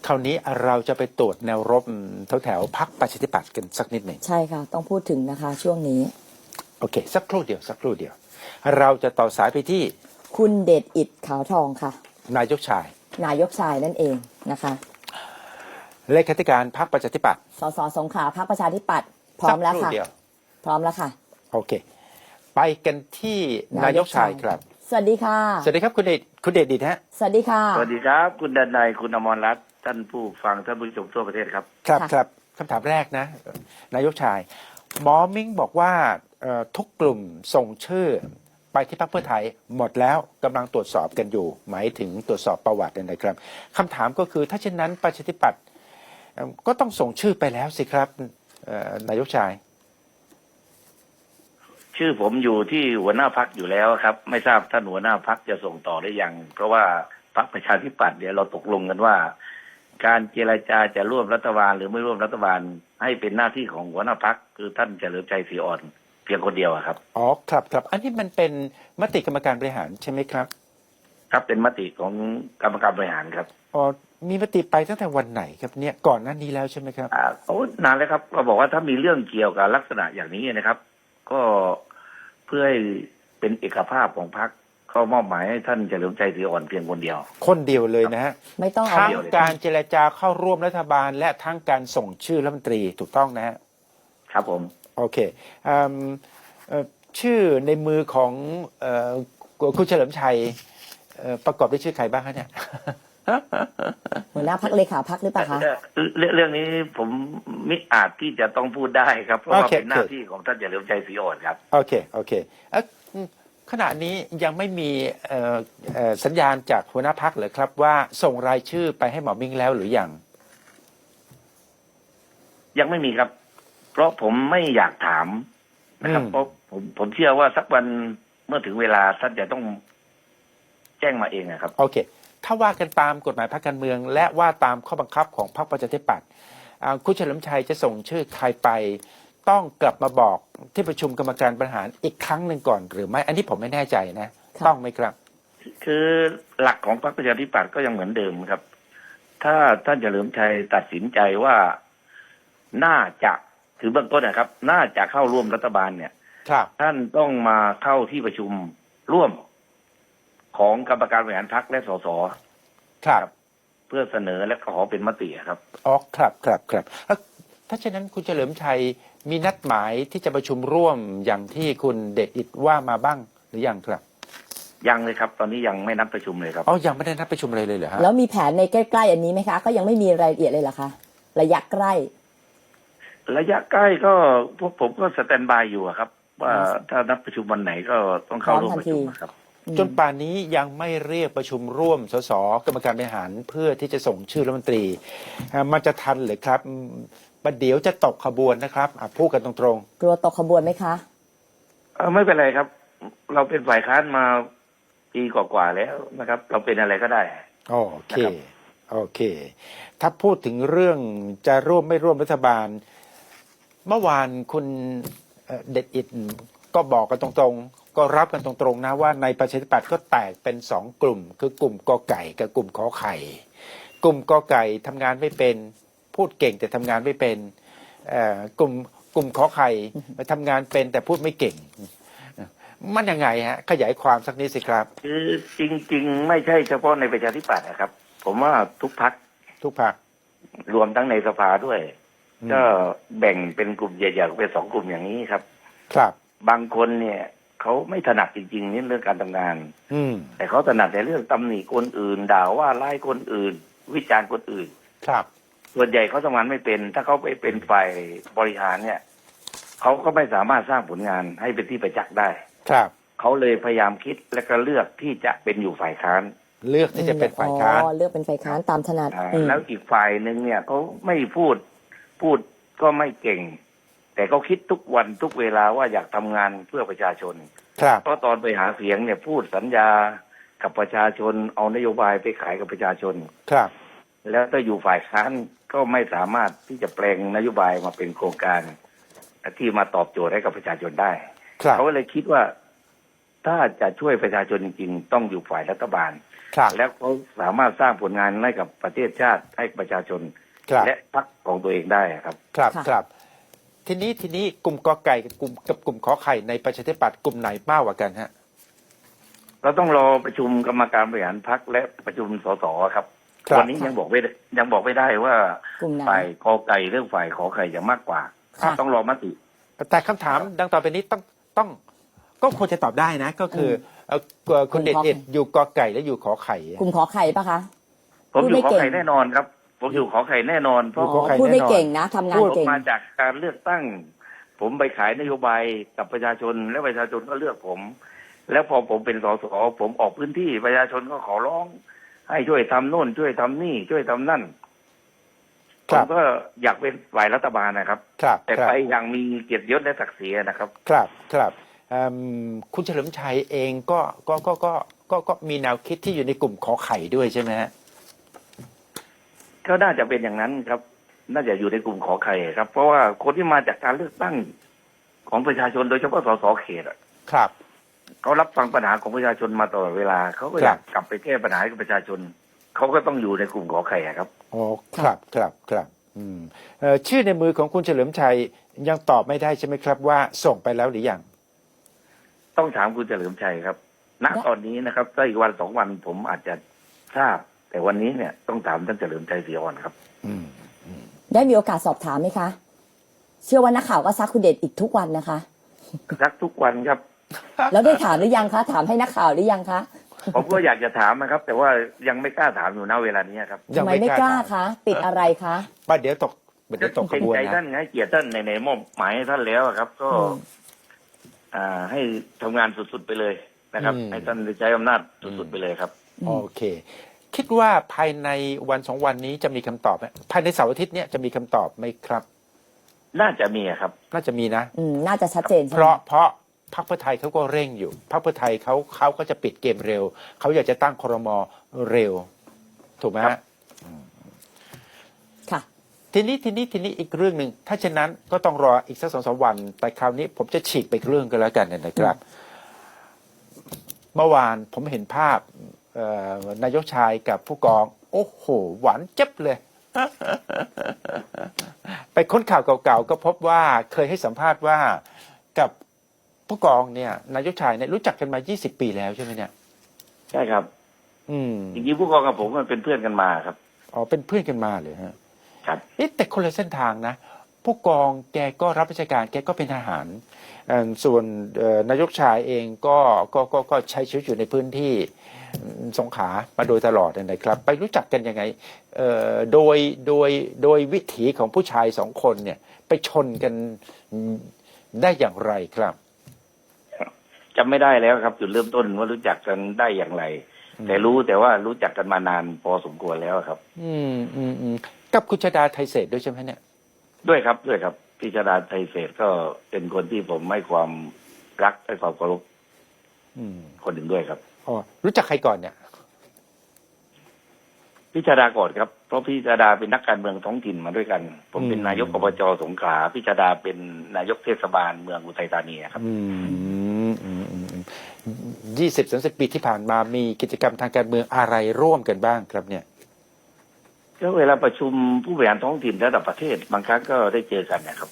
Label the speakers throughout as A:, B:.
A: คราวนี้เราจะไปตรวจแนวรบแถวพรรคประชาธิปัตย์กันสักนิดหนึ่ง
B: ใช่ค่ะต้องพูดถึงนะคะช่วงนี้
A: โอเคสักครู่เดียวเราจะต่อสายไปที่
B: คุณเดชอิฐขาวทองค่ะ
A: นายกชาย
B: นายกชายนั่นเองนะคะ
A: เลขาธิการพรรคประชาธิปัตย์
B: สสสงขลาพรรคประชาธิปัตย์พร้อมแล้วค่ะพร้อมแล้วค่ะ
A: โอเคไปกันที่นายกชายครับ
B: สวัสดีค่ะ
A: สวัสดีครับคุณเดชดิษฮะ
B: สวัสดีค่ะ
C: สวัสดีครับคุณดนัยคุณอมรรัตน์ท่านผู้ฟังท่านผู้ชมทั่วประเทศครับ
A: ครับคำถามแรกนะนายกชายหมอมิ้งบอกว่าทุกกลุ่มส่งชื่อไปที่พรรคเพื่อไทยหมดแล้วกำลังตรวจสอบกันอยู่หมายถึงตรวจสอบประวัตินะครับคำถามก็คือถ้าเช่นนั้นประชาธิปัตย์ก็ต้องส่งชื่อไปแล้วสิครับนายกชาย
C: ชื่อผมอยู่ที่หัวหน้าพักอยู่แล้วครับไม่ทราบท่านหัวหน้าพักจะส่งต่อได้ยังเพราะว่าพรรคประชาธิปัตย์เนี่ยเราตกลงกันว่า การเจรจาจะร่วมรัฐบาลหรือไม่ร่วมรัฐบาลให้เป็นหน้าที่ของหัวหน้าพักคือท่านเฉลิมชัยศรีอ่อนเพียงคนเดียวครับ
A: อ๋อครับอันนี้มันเป็นมติกรรมการบริหารใช่ไหมครับ
C: ครับเป็นมติของกรรมการบริหารครับ
A: อ๋อมีมติไปตั้งแต่วันไหนครับเนี่ยก่อนหน้านี้แล้วใช่ไหมครับ
C: โอ้นานแล้วครับเราบอกว่าถ้ามีเรื่องเกี่ยวกับลักษณะอย่างนี้นะครับก็เพื่อให้เป็นเอกภาพของพรรคเขามอบหมายให้ท่านเฉลิมชัยศรีอ่อนเพียงคนเดียว
A: เลยนะฮะ
B: ไม่ต้อง
A: ทั้งการเจรจาเข้าร่วมรัฐบาลและทั้งการส่งชื่อรัฐมนตรีถูกต้องนะฮะ
C: ครับผม
A: โอเคชื่อในมือของคุณเฉลิมชัยประกอบด้วยชื่อใครบ้างคะเนี่ย
B: หัวหน้าพักเลขาพักหรือเปล่าคะ
C: เรื่องนี้ผมไม่อาจที่จะต้องพูดได้ครับเพราะว่าเป็นหน้าที่ของท่านเฉลิมชัยศรีอ่อนครับ
A: โอเคขณะนี้ยังไม่มีสัญญาณจากหัวหน้าพักเหรอครับว่าส่งรายชื่อไปให้หมอมิ้งแล้วหรือ
C: ยังไม่มีครับเพราะผมไม่อยากถามนะครับเพราะผมเชื่อว่าสักวันเมื่อถึงเวลาท่านจะต้องแจ้งมาเองนะครับ
A: โอเคถ้าว่ากันตามกฎหมายพรรคการเมืองและว่าตามข้อบังคับของพรรคประชาธิปัตย์คุณเฉลิมชัยจะส่งชื่อใครไปต้องกลับมาบอกที่ประชุมกรรมการบริหารอีกครั้งหนึ่งก่อนหรือไม่อันนี้ผมไม่แน่ใจนะต้องไหมครับ
C: คือหลักของพรรคประชาธิปัตย์ก็ยังเหมือนเดิมครับถ้าท่านเฉลิมชัยตัดสินใจว่าน่าจะถือเบื้องต้นนะครับน่าจะเข้าร่วมรัฐบาลเนี่ยท่านต้องมาเข้าที่ประชุมร่วมของกรรมการบริหารพรรคและสส
A: ครับ
C: เพื่อเสนอและขอเป็นมติครับ
A: อ๋อครับถ้าเช่นนั้นคุณเฉลิมชัยมีนัดหมายที่จะประชุมร่วมอย่างที่คุณเดชอิฐว่ามาบ้างหรือยังครับ
C: ยังเลยครับตอนนี้ยังไม่นัดประชุมเลยครับ
A: อ๋อยังไม่ได้นัดประชุมเลยเหรอฮะ
B: แล้วมีแผนในใกล้ๆอันนี้ไหมคะก็ยังไม่มีรายละเอียดเลยเหรอคะระยะใกล้
C: ก็พวกผมก็สแตนบายอยู่ครับว่าถ้านัดประชุมวันไหนก็ต้องเข้าร่วมประชุมครับ
A: จนป่านนี้ยังไม่เรียกประชุมร่วมสสกรรมการบริหารเพื่อที่จะส่งชื่อรัฐมนตรีมันจะทันหรือครับประเดี๋ยวจะตกขบวนนะครับพูดกันตรง
B: ๆกลัวตกขบวนไหมคะ
C: ไม่เป็นไรครับเราเป็นฝ่ายค้านมาปีกว่าๆแล้วนะครับเราเป็นอะไรก็ได้
A: โอเคถ้าพูดถึงเรื่องจะร่วมไม่ร่วมรัฐบาลเมื่อวานคุณเดชอิฐก็บอกกันตรงๆก็รับกันตรงๆนะว่าในประชาธิปัตย์ก็แตกเป็น2กลุ่มคือกลุ่มกอไก่กับกลุ่มขอไข่กลุ่มกอไก่ทำงานไม่เป็นพูดเก่งแต่ทำงานไม่เป็นกลุ่มขอไข่ทำงานเป็นแต่พูดไม่เก่งมันยังไงฮะขยายความสักนิดสิครับ
C: คือจริงๆไม่ใช่เฉพาะในประชาธิปัตย์นะครับผมว่าทุกพรรครวมทั้งในสภาด้วยก็แบ่งเป็นกลุ่มใหญ่ๆเป็น2กลุ่มอย่างนี้ครับบางคนเนี่ยเขาไม่ถนัดจริงๆนี่เรื่องการทำงานแต่เขาถนัดในเรื่องตำหนิคนอื่นด่าว่าไล่คนอื่นวิจารณ์คนอื่นส่วนใหญ่เขาทำงานไม่เป็นถ้าเขาไปเป็นฝ่ายบริหารเนี่ยเขาก็ไม่สามารถสร้างผลงานให้เป็นที่ประจักษ์ได้เขาเลยพยายามคิดและก็เลือกที่จะเป็นอยู่ฝ่ายค้าน
A: เลือกที่จะเป็นฝ่ายค้าน
B: เลือกเป็นฝ่ายค้านตามถนัด
C: แล้วอีกฝ่ายหนึ่งเนี่ยเขาไม่พูดก็ไม่เก่งแต่เขาคิดทุกวันทุกเวลาว่าอยากทำงานเพื่อประชาชนเพราะตอนไปหาเสียงเนี่ยพูดสัญญากับประชาชนเอานโยบายไปขายกับประชาชนแล้วถ้าอยู่ฝ่ายค้านก็ไม่สามารถที่จะแปลงนโยบายมาเป็นโครงการที่มาตอบโจทย์ให้กับประชาชนได้เขาเลยคิดว่าถ้าจะช่วยประชาชนจริงๆต้องอยู่ฝ่ายรัฐบาล
A: ครับ
C: แล้วเขาสามารถสร้างผลงานให้กับประเทศชาติให้ประชาชน
A: ครับ
C: และพรรคของตัวเองได้ครับ
A: ครับ
B: ค่ะ
A: ครับทีนี้กลุ่มกอไก่กับกลุ่มขอไข่ในประชาธิปัตย์กลุ่มไหนมากกว่ากันฮะ
C: เราต้องรอประชุมกรรมการบริหารพรรคและประชุมสสครับ
A: ครับ
C: วันนี้ยังบอกไม่ได้ว่าก
B: ลุ่มไหน
C: ฝ่ายกอไก่เรื่องฝ่ายขอไข่จะมากกว่า
B: ค่ะ
C: ต้องรอมติ
A: แต่คำถามดังต่อไปนี้ต้องก็ควรจะตอบได้นะ ก็คือคุณเดชเอ็ดอยู่กอไก่และอยู่ขอไข่
B: กลุ่มขอไข่ปะคะ
C: ผมอยู่ขอ
B: พูดไม่เก่ง
C: ไข่แน่นอนครับ ผมอยู่ขอไข่แน่นอนเพราะ
A: ขอไข่
B: พูดไม่
A: แน่นอน
B: เก่งนะทำงาน
C: ผม
B: เก่ง
C: มาจากการเลือกตั้ง ผมไปขายนโยบายกับประชาชนและประชาชนก็เลือกผม แล้วพอผมเป็นสสผมออกพื้นที่ประชาชนก็ขอร้อง ให้ช่วยทำโน่นช่วยทำนี่ช่วยทำนั่นผ
A: ครั
C: ม
A: บ
C: ก็อยากเป็นฝ่ายรัฐบาลนะครับ
A: ครับ
C: แต่
A: ครับ
C: ไปอย่างมีเกียรติยศและศักดิ์ศรีนะครับ
A: ครับคุณเฉลิมชัยเองก็มีแนวคิดที่อยู่ในกลุ่มขอไข่ด้วยใช่ไหมฮะ
C: ก็น่าจะเป็นอย่างนั้นครับ น่าจะอยู่ในกลุ่มขอไข่ครับ เพราะว่าคนที่มาจากการเลือกตั้งของประชาชนโดยเฉพาะสสเขตอะ
A: ครับ
C: เขารับฟังปัญหาของประชาชนมาตลอดเวลาเขาก็อยากกลับไปแก้ปัญหาให้กับประชาชนเขาก็ต้องอยู่ในกลุ่มขอไข่อะครับ
A: อ๋อครับชื่อในมือของคุณเฉลิมชัยยังตอบไม่ได้ใช่ไหมครับว่าส่งไปแล้วหรือยัง
C: ต้องถามคุณเฉลิมชัยครับ ณ ตอนนี้นะครับถ้าอีกวันสองวันผมอาจจะทราบ แต่วันนี้เนี่ยต้องถามท่านเฉลิมชัยศรีอ่อนครับ
B: ได้มีโอกาสสอบถามไหมคะ เชื่อว่านักข่าวก็ซักคุณเดชอีกทุกวันนะคะ
C: สักทุกวันครับ
B: แล้วได้ถามหรือยังคะ ถามให้นักข่าวหรือยังคะ
C: ผมก็อยากจะถามนะครับ แต่ว่ายังไม่กล้าถามอยู่ณเวลานี้ครับ
B: ทำไมไม่กล้าคะ ติดอะไรคะ
A: ป้าเดี๋ยวตกข
C: เกรง
A: บวน
C: ใจท่า
A: นะ
C: นให้เกียรติท่านในมอบหมายให้ท่านแล้วอะครับ ก็ ให้ทำงานสุดๆไปเลยนะครับ ให้ท่านได้ใช้อำนาจสุดๆไปเลยครับ
A: โอเค คิดว่าภายในวันสองวันนี้จะมีคำตอบไหมภายในเสาร์อาทิตย์เนี้ยจะมีคำตอบไหมครับ
C: น่าจะมีอะครับ
A: น่าจะมีนะ
B: น่าจะชัดเจนใช่
A: เพ
B: ไหม
A: ราะพรรคเพื่อไทยเขาก็เร่งอยู่พรรคเพื่อไทยเขาก็จะปิดเกมเร็วเขาอยากจะตั้งครมเร็ว ถูกไหม
C: ครั
A: ฮะ
C: บ
B: ค่ะ
A: ทีนี้อีกเรื่องหนึ่งถ้าเช่นนั้นก็ต้องรออีกสัก2-3 วัน แต่คราวนี้ผมจะฉีกไปอีกเรื่องกันแล้วกันนะครับ เมื่อวานผมเห็นภาพนายกชายกับผู้กอง โอ้โห หวานเจ็บเลย ไปค้นข่าวเก่าๆก็พบว่าเคยให้สัมภาษณ์ว่ากับผู้กองเนี่ยนายกชายเนี่ยรู้จักกันมา20 ปีแล้วใช่ไหมเนี่ย
C: ใช่ครับ
A: อืม
C: จริงๆผู้กองกับผมมันเป็นเพื่อนกันมาครับ
A: อ๋อเป็นเพื่อนกันมาเลยฮะ
C: ครับ
A: แต่คนละเส้นทางนะ ผู้กองแกก็รับราชการแกก็เป็นทหารส่วนนายกชายเองก็ใช้ชีวิตอยู่ในพื้นที่สงขลามาโดยตลอดนะครับ ไปรู้จักกันยังไงโดยวิถีของผู้ชายสองคนเนี่ย ไปชนกันได้อย่างไรครับ
C: จำไม่ได้แล้วครับจุดเริ่มต้นว่ารู้จักกันได้อย่างไร แต่ว่ารู้จักกันมานานพอสมควรแล้วครับ
A: กับคุณชดาไทยเศรษฐ์ด้วยใช่ไหมเนี่ย
C: ด้วยครับพิชดาไทยเศรษฐ์ก็เป็นคนที่ผมให้ความรักให้ความเคารพคนหนึ่งด้วยครับ
A: อ๋อรู้จักใครก่อนเนี่ย
C: พิชดาก่อนครับเพราะพิชดาเป็นนักการเมืองท้องถิ่นมาด้วยกัน ผมเป็นนายกอบจสงขลาพิชดาเป็นนายกเทศบาลเมืองอุทัยธานีครับ
A: 20-30 ปีที่ผ่านมามีกิจกรรมทางการเมืองอะไรร่วมกันบ้างครับเนี่ย
C: ก็เวลาประชุมผู้บริหารท้องถิ่นระดับประเทศบางครั้งก็ได้เจอกันนะครับ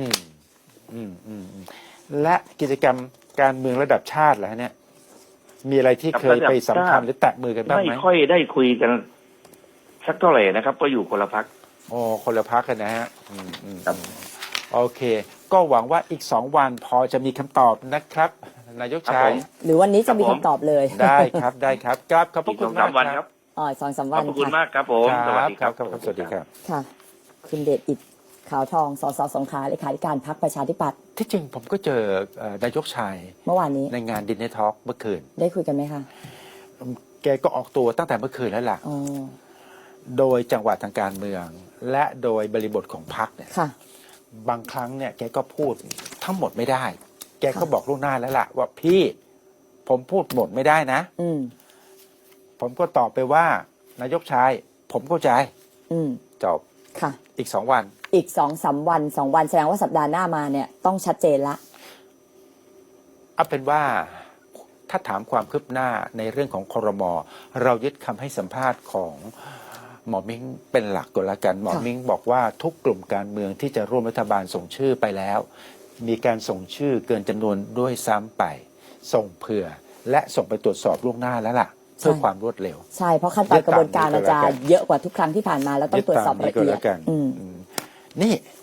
A: และกิจกรรมการเมืองระดับชาติล่ะเนี่ย มีอะไรที่เคยไปสัมพันธ์หรือแตะมือกันบ้างไหม
C: ไม่ค่อยได้คุยกันสักเท่าไหร่นะครับก็อยู่คนละพัก
A: อ๋อคนละพักกันนะฮะ
C: ครับ
A: โอเค ก็หวังว่าอีก2 วันพอจะมีคำตอบนะครับ นายกชาย
B: หรือวันนี้จะมีคำตอบเลย
A: ได้ครับครับขอบพ
C: อี
A: ระ
C: ก
A: คุ
C: ส
A: ณ
C: อง
A: มา
C: สาก มวัน
A: ค
C: ค
A: รั
C: รับ บ
B: 2-3
C: ข
B: วั
C: อบ
B: น
C: พระคุณ
B: ค่ะ
C: มากครับผมสวัสดีครับ
A: สวัสดีครับ
B: ค่ะ คุณเดชอิฐขาวทอง สสสงขลาเลขาธิการพรรคประชาธิปัตย์
A: ที่จริงผมก็เจอนายกชาย
B: เมื่อวานนี้
A: ในงานดินเนอร์ทอล์กเมื่อคืน
B: ได้คุยกันไหมคะ
A: แกก็ออกตัวตั้งแต่เมื่อคืนแล้วล่ะ
B: อ๋อ
A: โดยจังหวะทางการเมือง และโดยบริบทของพรรคเนี่ย
B: ค่ะ
A: บางครั้งเนี่ยแกก็พูดทั้งหมดไม่ได้ แกก็บอกล่วงหน้าแล้วล่ะ ว่าพี่ผมพูดหมดไม่ได้นะ
B: อืม
A: ผมก็ตอบไปว่านายกชาย ผมเข้าใจ
B: อืม
A: จบ
B: ค่ะ
A: อีก2 วัน
B: อีก2-3 วัน2 วันแสดงว่าสัปดาห์หน้ามาเนี่ยต้องชัดเจนละ
A: เอาเป็นว่าถ้าถามความคืบหน้าในเรื่องของครม.เรายึดคำให้สัมภาษณ์ของหมอมิ้งเป็นหลักก่อนละกันหมอมิ้งบอกว่าทุกกลุ่มการเมืองที่จะร่วมรัฐบาลส่งชื่อไปแล้ว มีการส่งชื่อเกินจำนวนด้วยซ้ำไปส่งเผื่อและส่งไปตรวจสอบล่วงหน้าแล้วล่ะเพื่อความรวดเร็ว
B: ใช่เพราะขั้นตอนกระบวนการมันจะเยอะกว่าทุกครั้งที่ผ่านมาแล้วต้องตรวจสอบละเอียด
A: นี่